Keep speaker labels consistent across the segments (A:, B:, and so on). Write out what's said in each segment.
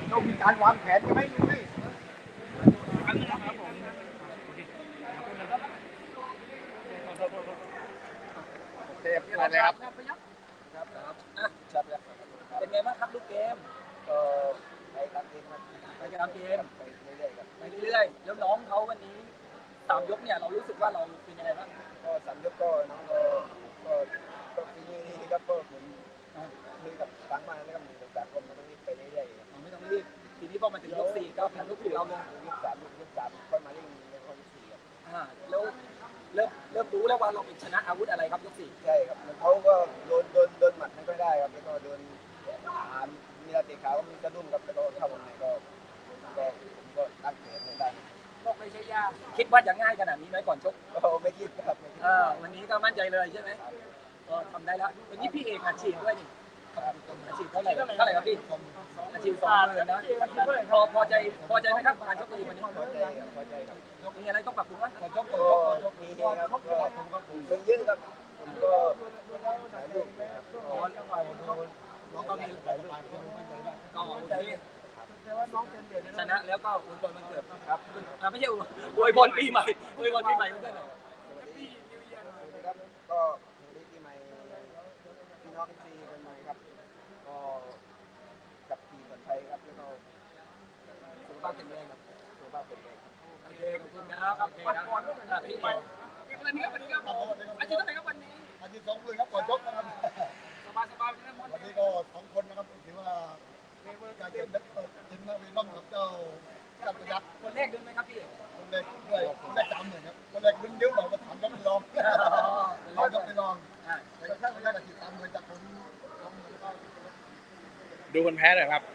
A: ต้องมีการวางแผนกันไหมลุงนี่เทปอะไรครับ
B: ครับอ่ะจับเลยเป็นไงบ้างครับลูกเกมก็ไปตามเกมครับไปตามเกมไปเรื่อยๆครับไปเรื่อยๆแล้วน้องเขาวันนี้3 ยกเนี่ยเรารู้สึกว่าเราเป็นยังไงบ้างก็3 ยกก็น้องก็ฟีนี่ครับก็เหมือนคุยกับฟังมาแล้วก็มีโอกาสก็ไม่ต้องรีบไปเรื่อยๆไม่ต้องรีบทีนี้พอมาถึงยก 4ก็แผ่นลูกสี่เราลงยก 3ค่อยมาเร่งในยก 4ครับแล้วเริ่มรู้แล้วว่าเราเป็นชนะอาวุธอะไรครับยก 4ใช่ครับเขาก็โดนหมัดไม่ค่อยได้ครับแล้วก็โดนมีระเตะขาก็มีกระดุ้งครับแล้วก็เข้าวงในก็ผมก็ตั้งเกมไม่ได้ก็ไม่ใช่ยากคิดว่าจะง่ายขนาดนี้ไหมก่อนชกก็ไม่คิดครับวันนี้ก็มั่นใจเลยใช่ไหมก็ทำได้แล้ววันนี้พี่เอกอาชีพด้วยนี่อาชีพเท่าไหร่ครับพี่อาชีพ20,000นะพอใจไหมครับการชกตัววันนี้พอใจครับมีอะไรต้องปรับปรุงไหมชกมีครับผมก็เป็นเยอะครับผมก็ถ่ายรูปนะครับน้องก็มีก็โอเคชนะแล้วก็อวยพรวันเกิดครับไม่ใช่อวยพรปีใหม่อวยพรปีใหม่เพื่อนครับก็ปีใหม่พี่น้องที่คนใหม่ครับก็กับทีมคนไทยครับแล้วก็สุขภาพแข็งแรงครับสุขภาพแข็งแรงโอเคขอบคุณนะครับโอเคครับพี่วันนี้ครับอาทิตย์เท่าไหร่ครับวันนี้อาทิตย์2 เลยครับก่อนชกนะครับสบายๆวันนี้ก็2 คนนะครับถือว่าการเก็บทีมนาวีน้องกับเจ้าประยัดคนแรกดึงไหมครับพี่คนแรกด้วยคนแรก30,000ครับคนแรกดึงเยอะเราก็ถามก็ไม่ลองเราก็ไม่ลองแต่ถ้าคนแรกอาทิตย์30,000จากผม
C: ดูคนแพ้หน่อยครับ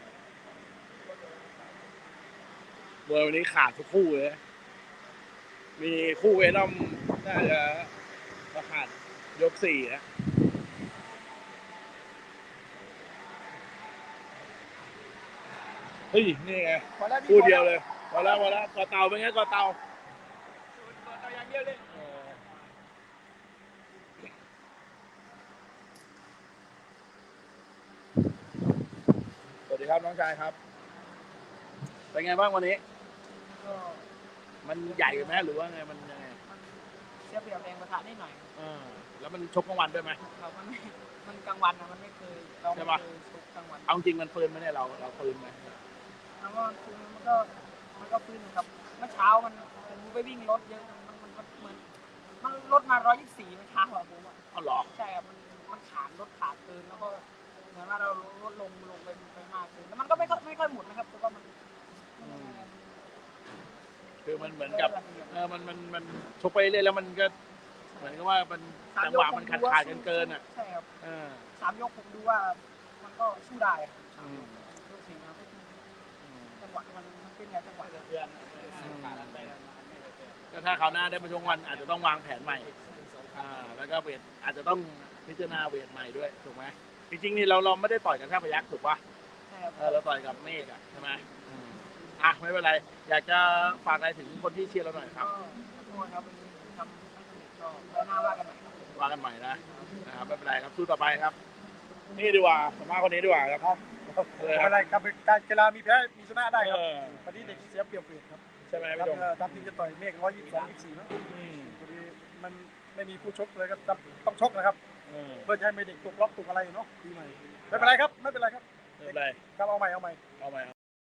C: มวยวันนี้ขาดทุกคู่เลยมีคู่เวนอมน่าจะขาดยก 4นะเฮ้ยนี่ไงคู่เดียวเลยพอแล้วกอเตาเป็นไงกอเตาอย่างเดียวเลยสวัสดีครับน้องชายครับเป็นไงบ้างวันนี้มันใหญ่ไหมหรือว่าไงมันยังไง
D: เสียเปรียบแรงประทะนิดหน่อย
C: แล้วมันชกกลางวันด้วยไหม
D: ครับมันกลางวันนะมันไม่เคยเราไม่เคยชกกลางวัน
C: เอาจริงมันปืนไหมเนี่ยเราปืนไหม
D: แล้วก็คือมันก็ปืนครับเมื่อเช้าผมไปวิ่งรถเยอะมันเหมือนมันรถมา124เมื่อเช้าอะผม
C: อ๋อเหรอ
D: ใช่ครับมันรถขาดเกินแล้วก็เหมือนว่าเราลดลงไปมากเกินแล้วมันก็ไม่ค่อยหมุนนะครับแต่ว่ามัน
C: คือมันเหมือนกับมันชกไปเรื่อยแล้วมันก็เหมือนกับว่ามันจังหวะมันขาดเกินอ่ะ
D: ใช่ครับ3 ยกผมดูว่ามันก็สู้ได้ยก 4ครับจังหวะมันเป็นไงจังหวะ
C: ก็ถ้าคราวหน้าได้มาชกวันอาจจะต้องวางแผนใหม่แล้วก็เวทอาจจะต้องพิจารณาเวทใหม่ด้วยถูกไหมจริงๆนี่เราไม่ได้ต่อยกับท่าพยัคฆ์ถูกป่ะเราต่อยกับเมฆอ่ะใช่ไหมไม่เป็นไรอยากจะฝากอะไรถึงคนที่เชียร์เราหน่อยครับ
D: ขอโทษครับวันนี้ทำไม่สำเร็จก็ไว้หน้าว่ากันใหม่
C: นะครับไม่เป็นไรครับสู้ต่อไปครับนี่ดีกว่าสมมาคนนี้ดีกว่าครับ
A: อะไรครับการกีฬามีแพ้มีชนะได้ครับวันนี้เด็กเสียเปรียบครับ
C: ใช่ไหม
A: ครับตามทีมจะต่อยเมฆ122 24นะพอดีมันไม่มีผู้ชกเลยก็ต้องชกนะครับเพื่อให้ไม่เด็กตกล็อกตกอะไรเนาะปีใหม่ไม่เป็นไรครับครับเอาใหม่